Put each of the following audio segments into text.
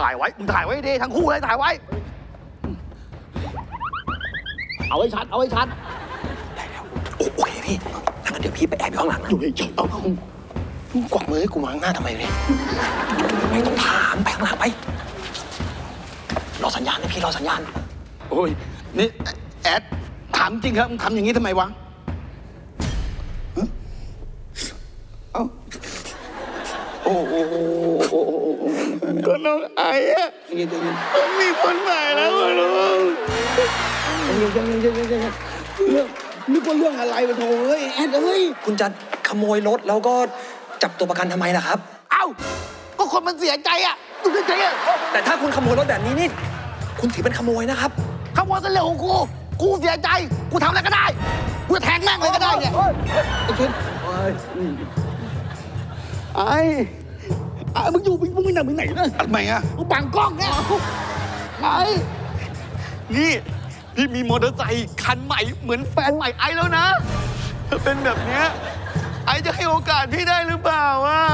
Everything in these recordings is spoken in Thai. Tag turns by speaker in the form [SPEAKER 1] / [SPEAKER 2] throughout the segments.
[SPEAKER 1] ถ่ายไว้มึงถ่ายไว้ดิทั้งคู่เลยถ่ายไว้เอาไว้ชัดเอาไว้ชัด
[SPEAKER 2] ได้แล้วโอเคพี่ถ้างั้นเดี๋ยวพี่ไปแอบอยู่ข้างหลังนะ
[SPEAKER 1] อยู่เฉยๆเอา
[SPEAKER 2] กวักมือให้กูมางหน้าทำไมเนี่ยไม่ต้องถามไปข้างหลังไปรอสัญญาณนะพี่รอสัญญาณ
[SPEAKER 1] โอ้ยนี่แอดถามจริงครับมึงทำอย่างนี้ทำไมวะเอ้าโอ้โหก็น้องไอ้อะมีคนใหม่แล้วลุงยังเรื่องนึกว่าเรื่องอะไรวะโถ่เฮ้ยแอดเฮ้ย
[SPEAKER 2] คุณจะขโมยรถแล้วก็จับตัวประกันทำไมล่ะครับ
[SPEAKER 1] เอ้าก็คนมันเสียใจอะมึงเสียใจอะ
[SPEAKER 2] แต่ถ้าคุณขโมยรถแบบนี้นี่คุณถือเป็นขโมยนะครับ
[SPEAKER 1] ขโมยกันเรื่องของกูเสียใจกูทำอะไรก็ได้กูจะแทงแม่งเลยก็ได้เนี่ยไอ้ชินไอ้มึงอยู่มึงไม่นั่งมึงไหนนะทำไมอะมึงบังกล้องเนี่ยไอ้นี่พี่มีมอเตอร์ไซค์คันใหม่เหมือนแฟนใหม่ไอ้แล้วนะถ้าเป็นแบบเนี้ยไอ้จะให้โอกาสพี่ได้หรือเปล่าวะ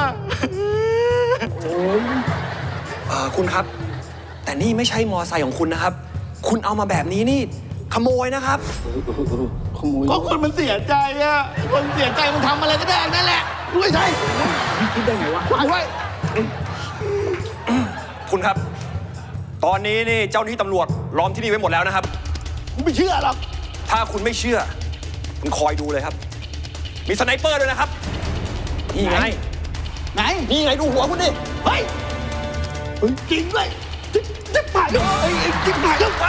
[SPEAKER 2] คุณครับแต่นี่ไม่ใช่มอไซค์ของคุณนะครับคุณเอามาแบบนี้นี่ขโมยนะครับ
[SPEAKER 1] ขโมยก็คนมันเสียใจอะคนเสียใจมันทำอะไรก็ได้นั่นแหละไม่ใช่คิดได้ไงวะไว้
[SPEAKER 2] คุณครับตอนนี้นี่เจ้าหน้าที่ตำรวจล้อมที่นี่ไว้หมดแล้วนะครับ
[SPEAKER 1] ผมไม่เชื่อหรอก
[SPEAKER 2] ถ้าคุณไม่เชื่อคุณคอยดูเลยครับมีสไนเปอร์ด้วยนะครับนี่ไง
[SPEAKER 1] นี่ไงดูหัวคุณดิเฮ้ยจริงด้วยจะผ่านจริงผ่านแล้ว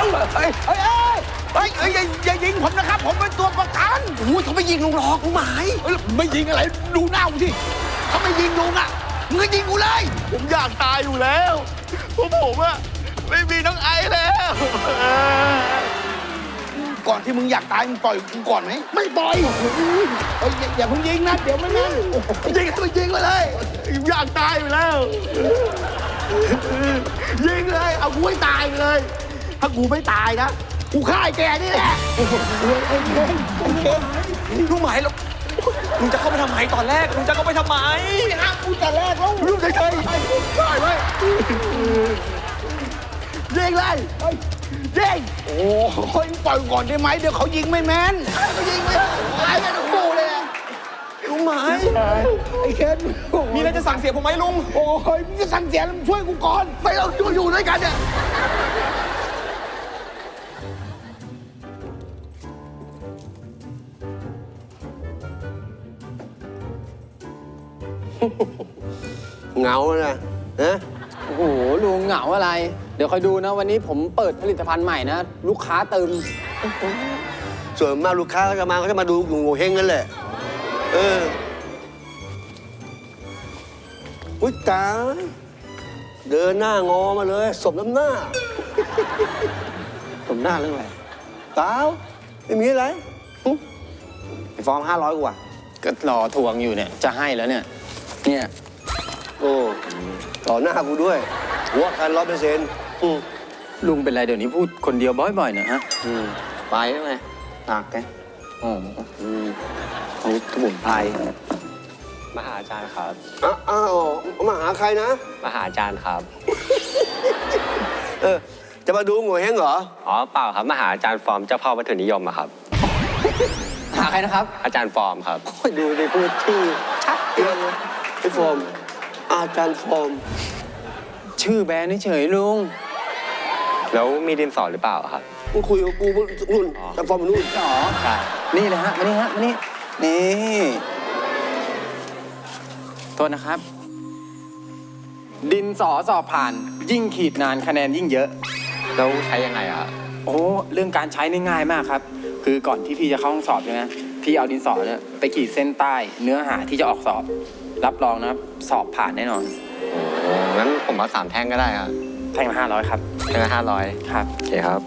[SPEAKER 1] อย่ายิงผมนะครับผมเป็นตัวประกัน
[SPEAKER 2] โอ้ยเขาไม่ยิงลุงหรอกลุงหมาย
[SPEAKER 1] ไม่ยิงอะไรดูหน้ากูที่ถ้าไม่ยิงลุงอ่ะมึงก็ยิงกูเลยผมอยากตายอยู่แล้วเพราะผมอะไม่มีน้องไอแล้วก่อนที่มึงอยากตายมึงปล่อยกูก่อนไหมไม่ปล่อยอย่าเพิ่งยิงนะเดี๋ยวไม่งั้นยิงให้มันยิงไปเลยอยากตายอยู่แล้วยิงเลยเอากูให้ตายเลยถ้ากูไม่ตายนะกูฆ่าไอ้แกนี่แหละ
[SPEAKER 2] ลุงหมายแล้วลุงจะเข้าไปทำไมตอนแรกลุงจะเข้าไปทำไม
[SPEAKER 1] ไม่ห้ามกูแต่แรกแล้วลุงเฉยๆได้ไหมยิงเลยยิงโอ้ยปล่อยก่อนได้ไหมเดี๋ยวเขายิงไม่แม่นเขายิงไม่ตายกันทั้งคู่เลย
[SPEAKER 2] ลุงหมาย
[SPEAKER 1] ไอ้เคน
[SPEAKER 2] มีอะไรจะสั่งเสียผมไหมลุง
[SPEAKER 1] โอ้ยมึงจะสั่งเสียแล้วมึงช่วยกูก่อนไม่เราอยู่ด้วยกันเนี่ย
[SPEAKER 3] เหงานะ
[SPEAKER 4] โอ้โหลุงเหงาอะไรเดี๋ยวคอยดูนะวันนี้ผมเปิดผลิตภัณฑ์ใหม่นะลูกค้าเติม
[SPEAKER 3] ส่วนมากลูกค้าเขาจะมาดูโง่เฮงนั่นแหละอุ๊ยตาเดินหน้างอมาเลยสมน้ำหน้าสมหน้าเรื่องอะไรตาไม่มีอะไร
[SPEAKER 4] ไปฟ้อง500กว่าก็รอทวงอยู่เนี่ยจะให้แล้วเนี่ย
[SPEAKER 3] โอ้ต่อหน้ากูด้วยหัวกัน100%
[SPEAKER 4] ลุงเป็นไรเดี๋ยวนี้พูดคนเดียวบ่อยๆเนี่ยฮะ
[SPEAKER 3] ไปได้ไหมหนักแกเขาสมุนไพร
[SPEAKER 5] มาหาอาจารย์ครับ
[SPEAKER 3] อ้าวมาหาใครนะ
[SPEAKER 5] มาหาอาจารย์ครับ
[SPEAKER 3] จะมาดูโง่เฮงเหรอ
[SPEAKER 5] อ๋อเปล่าครับมาหาอาจารย์ฟอร์มเจ้าพ่อวัตถุนิยมอะครับ
[SPEAKER 4] หาใครนะครับ
[SPEAKER 5] อาจารย์ฟอร์มครับ
[SPEAKER 3] ดูในพูดชื่อชัดเจนเลยไอ้ฟอร์มอาจารย์ฟอร์ม
[SPEAKER 4] ชื่อแบรนด์เฉยลุง
[SPEAKER 5] แล้วมีดินสอหรือเปล่าครับ
[SPEAKER 3] มึงคุยกับกูนู่นอาจารย์ฟอร์มนู่น
[SPEAKER 4] อ๋อใช่นี่เลยฮะมานี่โทษนะครับดินสอสอบผ่านยิ่งขีดนานคะแนนยิ่งเยอะ
[SPEAKER 5] แล้วใช้ยังไงอะ
[SPEAKER 4] โอ้เรื่องการใช้นี่ง่ายมากครับคือก่อนที่พี่จะเข้าห้องสอบใช่ไหมพี่เอาดินสอเนี่ยไปขีดเส้นใต้เนื้อหาที่จะออกสอบรับรองนะสอบผ่านแน่นอน
[SPEAKER 5] โอ้งั้นผมเอา3 แท่งก็ได้ครับ
[SPEAKER 4] แท่งละ500ครับ
[SPEAKER 5] แท่งละ500
[SPEAKER 4] ครับ
[SPEAKER 5] โอเคครับ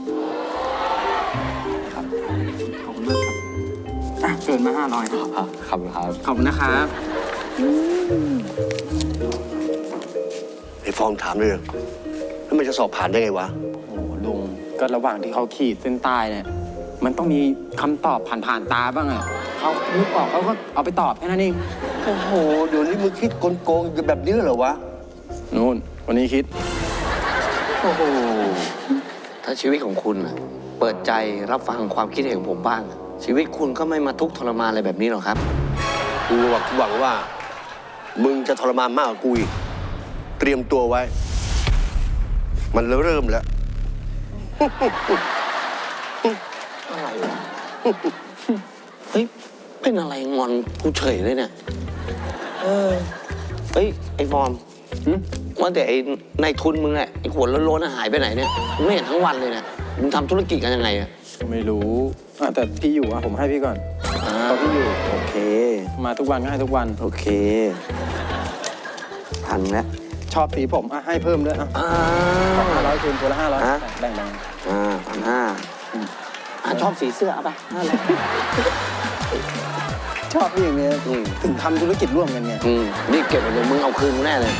[SPEAKER 4] ขอบคุณมากครับเกินมา500ครับ
[SPEAKER 5] ขอบคุณครับ
[SPEAKER 4] ขอบคุณนะครับ
[SPEAKER 3] ไอ้ฟอร์มถามเลยแล้วมันจะสอบผ่านได้ไงวะ
[SPEAKER 4] โอ้ลุงก็ระหว่างที่เขาขีดเส้นใต้เนี่ยมันต้องมีคำตอบผ่านตาบ้างอะเขานึกออกเขาก็เอาไปตอบแค่นั้นเอง
[SPEAKER 3] โอ้โหเดี๋ยวนี้มึงคิดโกงๆแบบนี้เหรอวะ
[SPEAKER 4] นู่นวันนี้คิด
[SPEAKER 3] โอ้โห ถ้าชีวิตของคุณอะเปิดใจรับฟังความคิดเห็นของผมบ้างอะชีวิตคุณก็ไม่มาทุกข์ทรมานอะไรแบบนี้หรอกครับ
[SPEAKER 2] กูหวังว่า มึงจะทรมานมากกว่ากูอีก เตรียมตัวไว้ มันเริ่มแล้ว
[SPEAKER 3] อะไรวะ เฮ้ย เป็นอะไรงอนกูเฉยเลยเนี่ย เฮ้ย ไอ้ฟอร์มว่าแต่ไอ้นายทุนมึงอะไอ้ขวดโล้นๆหายไปไหนเนี่ยมึงไม่เห็นทั้งวันเลยเนี่ยมึงทำธุรกิจกันยังไงอะ
[SPEAKER 4] ไม่รู้แต่พี่อยู่ผมให้พี่ก่อนพอพี่อยู่
[SPEAKER 3] โอเค
[SPEAKER 4] มาทุกวันก็ให้ทุกวัน
[SPEAKER 3] โอเคทันแล้ว
[SPEAKER 4] ชอบสีผมให้เพิ่มด้วย500คืนตัวละ500แบ่ง
[SPEAKER 3] 1,500ชอบสีเสื้อเอาไป500
[SPEAKER 4] ชอบพี่อย่างเงี้ยถึงทำธุรกิจร่วมกันไง
[SPEAKER 3] นี่เก็บไว้เลยมึงเอาคืนมึงแน่เลย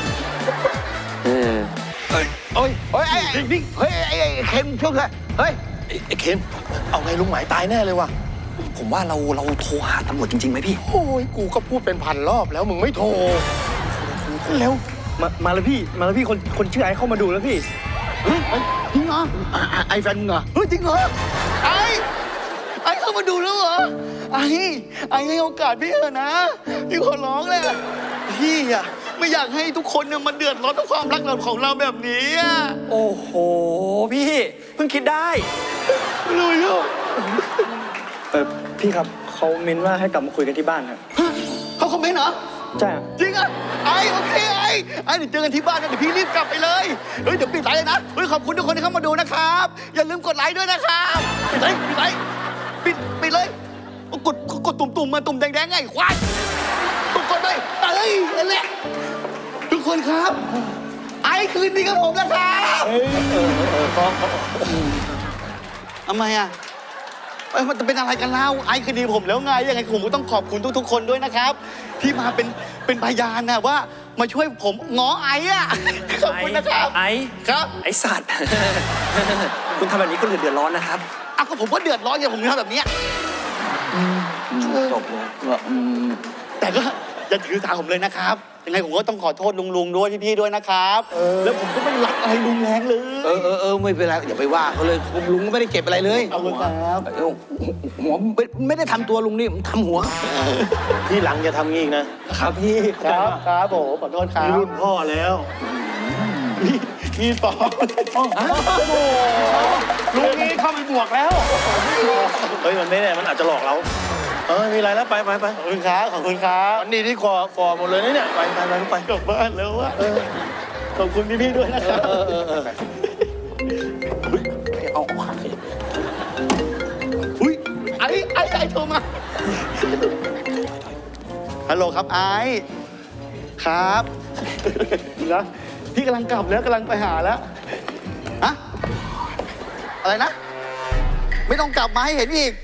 [SPEAKER 2] เฮ้ยไอ้เคนช่วยกันเฮ้ย
[SPEAKER 1] ไอ้เคนเอาไงลุงหมายตายแน่เลยว่ะ
[SPEAKER 2] ผมว่าเราโทรหาตำรวจจริงๆไหมพี่
[SPEAKER 1] โอ้ยกูก็พูดเป็นพันรอบแล้วมึงไม่โทรเร็ว
[SPEAKER 6] มาแล้วพี่คนชื่อไอ้เข้ามาดูแล้วพี่
[SPEAKER 1] เฮ้ยจริงเหรอไอ้แฟนมึงเหรอเฮ้ยจริงเหรอไอ้เข้ามาดูแล้วเหรอไอ้ให้โอกาสพี่เถอะนะพี่ขอร้องเลยพี่อะไม่อยากให้ทุกคนเนี่ยมาเดือดร้อนกับความรักเราของเราแบบนี้อะ
[SPEAKER 6] โอ้โหพี่เพิ่งคิดได้
[SPEAKER 1] เลยอ่ะ
[SPEAKER 6] พี่ครับเขาเม้นว่าให้กลับมาคุยกันที่บ้านครับ
[SPEAKER 1] เขาคอมเมนต์เหรอ
[SPEAKER 6] ใช่ครับ
[SPEAKER 1] จริงอ่ะโอเคเดี๋ยวเจอกันที่บ้านนะเดี๋ยวพี่รีบกลับไปเลยเฮ้ยเดี๋ยวปิดไลน์เลยนะเฮ้ยขอบคุณทุกคนที่เข้ามาดูนะครับอย่าลืมกดไลค์ด้วยนะครับปิดไลค์ปิดเลยกดตุ่มมาตุ่มแดงๆไงควายกดไปนั่นแหละทุกคนครับคืนดีกับผมนะครับทำไมอ่ะมันจะเป็นอะไรกันเล่าคืนดีผมแล้วไงยังไงผมก็ต้องขอบคุณทุกๆคนด้วยนะครับ ที่มาเป็นพยานนะว่ามาช่วยผมง้อขอบคุณนะครับครับ
[SPEAKER 6] ไอ้สัตว์ คุณทำแบบนี้คนอื่นเดือดร้อนนะครับ
[SPEAKER 1] ก็ผมก็เดือดร้อนอย่างผมทำแบบนี้จบเลยแต่ก็อย่าถือสาผมเลยนะครับยังไงผมก็ต้องขอโทษลุงด้วยพี่ๆด้วยนะครับแล้วผมก็ไม่รักอะไรลุงแรงเลย
[SPEAKER 3] ไม่เป็นไรอย่าไปว่าเขาเลยลุงก็ไม่ได้เก็บอะไรเลย
[SPEAKER 1] ขอบคุณครับ
[SPEAKER 3] หัวไม่ได้ทำตัวลุงนี่ทำหัว
[SPEAKER 6] ที่หลังอย่าทำงี้อีกนะครับพี่
[SPEAKER 1] ครับผมขอโทษครับ
[SPEAKER 6] รุ่นพ่อแล้ว
[SPEAKER 1] พี่ปอลุงนี้เข้าไปบวกแล้ว
[SPEAKER 6] เฮ้ยมันไม่แน่มันอาจจะหลอกเรามีอะไรแล้วไป
[SPEAKER 1] ขอบคุณครับ
[SPEAKER 6] อันนี้ที่คอฟอร์หมดเลยนะเนี่ยไป
[SPEAKER 1] กลับบ้านแล้วอะขอบคุณพี่ๆด้วยนะครับอุ้ยไอ้โทรมาฮัลโหลครับครับนะพี่กำลังกลับแล้วกำลังไปหาแล้วฮะอะไรนะไม่ต้องกลับมาให้เห็นอีก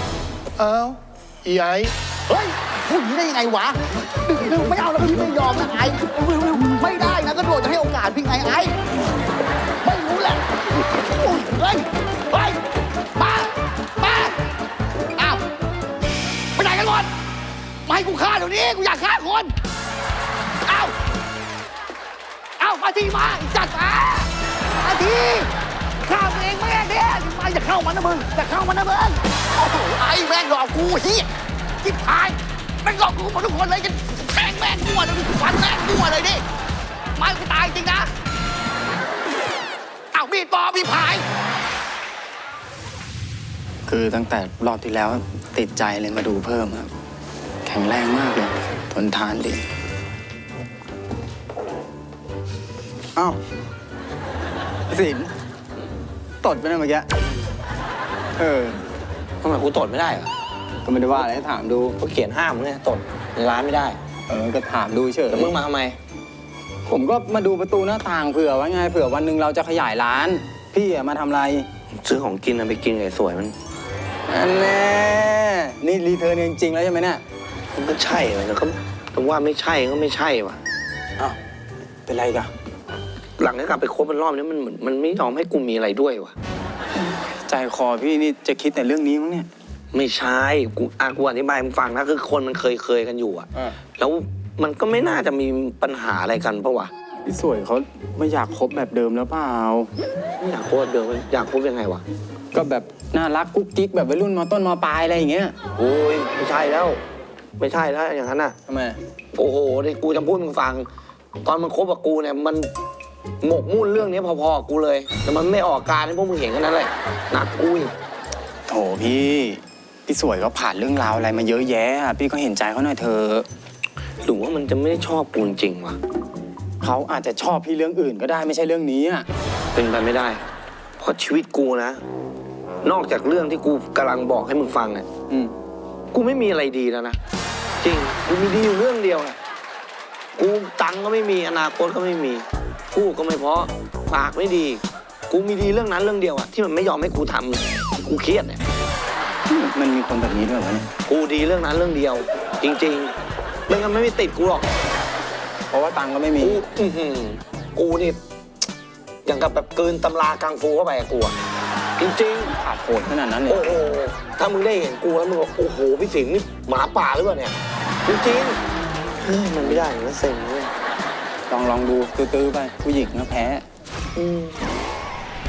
[SPEAKER 2] ไอ้
[SPEAKER 1] เฮ้ยพูดอย่างนี้ได้ยังไงวะไม่เอาแล้วพี่ไม่ยอมนะไม่ได้นะก็โดดจะให้โอกาสพี่ไงไม่รู้แหละเฮ้ยมาอ้าวไปไหนกันหมดมาให้กูฆ่าเดี๋ยวนี้กูอยากฆ่าคนอ้าวมาทีมาจัดมาทีฆ่าตัวเองแม่เนี่ยมาอย่าเข้ามันนะมึงโอ้โหแม่งหลอกกูเฮียจิ๊บหายแม่งหลอกกูหมดทุกคนเลยกันแทงแม่งมั่วเลยฟันแม่งมั่วเลยดิไม่กูตายจริงนะมีดปอมีผาย
[SPEAKER 4] คือตั้งแต่รอบที่แล้วติดใจเลยมาดูเพิ่มครับแข็งแรงมากเลยทนทานดีสินตดไปนะเมื่อกี้
[SPEAKER 3] ทำไมกูตดไม่ได้เหรอ
[SPEAKER 4] ก็ไม่ได้ว่าอะไรถามดู
[SPEAKER 3] เขาเขียนห้ามไงตดในร้านไม่ได้
[SPEAKER 4] ก็ถามดูเฉย
[SPEAKER 3] แล้วมึงมาทำไม
[SPEAKER 4] ผมก็มาดูประตูหน้าต่างเผื่อไว้ไงเผื่อวันหนึ่งเราจะขยายร้าน พี่มาทำอะไร
[SPEAKER 3] ซื้อของกินไปกินไอ้สวยมัน
[SPEAKER 4] อันแน่นี่รีเทิร์นจริงๆแล้วใช่ไหมเนี่ย
[SPEAKER 3] มันก็ใช่แต่ก็ถึงว่าไม่ใช่ก็ไม่ใช่ว่ะ
[SPEAKER 4] เป็นไรกัน
[SPEAKER 3] หลังจากกลับไปคบมันรอบนี้มันไม่ยอมให้กูมีอะไรด้วยว่ะ
[SPEAKER 4] ใจคอพี่นี่จะคิดแต่เรื่องนี้มั้งเนี่ย
[SPEAKER 3] ไม่ใช่กูอธิบายมึงฟังนะคือคนมันเคยกันอยู่อะแล้วมันก็ไม่น่าจะมีปัญหาอะไรกันปะวะ
[SPEAKER 4] พี่สวยเขาไม่อยากคบแบบเดิมแล้วเปล่า
[SPEAKER 3] อยากคบเดิมอยากคบยังไงวะ
[SPEAKER 4] ก็แบบน่ารักกุ๊กกิ๊กแบบวัยรุ่นมต้นมปลายอะไรอย่างเงี้ย
[SPEAKER 3] โอ้ยไม่ใช่แล้ว ไม่ใช่แล้วอย่างนั้นอ่ะ
[SPEAKER 4] ทำไม
[SPEAKER 3] โอ้โหนี่กูจะพูดมึงฟัง ตอนมันคบกับกูเนี่ยมันหมกมุ่นเรื่องนี้พอๆกับกูเลย แต่มันไม่ออกการให้พวกมึงเห็นกันนั่นแหละหนักกูอีก
[SPEAKER 4] โถพี่สวยก็ผ่านเรื่องราวอะไรมาเยอะแยะอะพี่ก็เห็นใจเขาหน่อยเถอะ
[SPEAKER 3] หรือว่ามันจะไม่ได้ชอบกูจริงๆวะ
[SPEAKER 4] เขาอาจจะชอบพี่เรื่องอื่นก็ได้ไม่ใช่เรื่องนี้อ่ะ
[SPEAKER 3] เป็นไปไม่ได้ เพราะชีวิตกูนะ นอกจากเรื่องที่กูกำลังบอกให้มึงฟังเนี่ย กูไม่มีอะไรดีแล้วนะ จริง กูมีดีอยู่เรื่องเดียวนะกูตังค์ก็ไม่มีอนาคตก็ไม่มีกูก็ไม่เพราะปากไม่ดี กูมีดีเรื่องนั้นเรื่องเดียวอะที่มันไม่ยอมให้กูทำกูเครียดเนี่ย
[SPEAKER 4] มันมีคนแบบนี้ด้วยวะเนี่ย
[SPEAKER 3] กูดีเรื่องนั้นเรื่องเดียว จริงๆไม่งั้นไม่ติดกูหรอก
[SPEAKER 4] เพราะว่าตังค์ก็ไม่มี
[SPEAKER 3] กูนี่อย่างกับแบบเกินตำรากังฟูเข้าไปอะกูอะจริงๆ
[SPEAKER 4] ขาดโหดขนาดนั้นเลย
[SPEAKER 3] โอ้โห ถ้ามึงได้เห็นกูแล้วมึงบอกโอ้โห พี่สิงห์นี่หมาป่าหรือเปล่าเนี่ย จริงๆเฮ้ยมันไม่ได้อย่างนั้นเซ็งเลย
[SPEAKER 4] ลองดูตื้อๆไปผู้หญิงก็แพ้
[SPEAKER 3] อืม